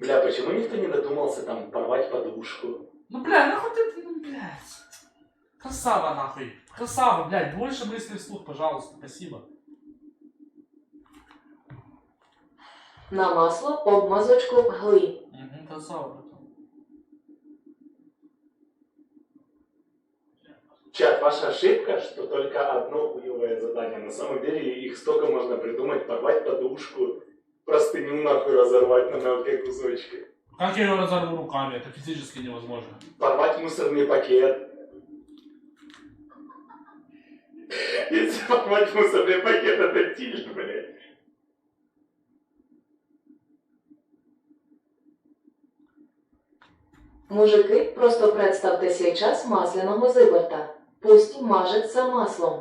Бля, почему никто не додумался там порвать подушку? Ну, бля, нахуй ты, ну, блядь. Красава, нахуй. Красава, блядь, больше мыслей вслух, пожалуйста, спасибо. На масло обмазочку гли. Угу, красава, братан. Чат, ваша ошибка, что только одно хуевое задание. На самом деле их столько можно придумать, порвать подушку, простыню нахуй разорвать на мелкие кусочки. Как я ее разорву руками? Это физически невозможно. Порвать мусорный пакет. Если порвать мусорный пакет, это тиль, блядь. Мужики, просто представте сейчас масляного зиборта. Пусть мажеться маслом.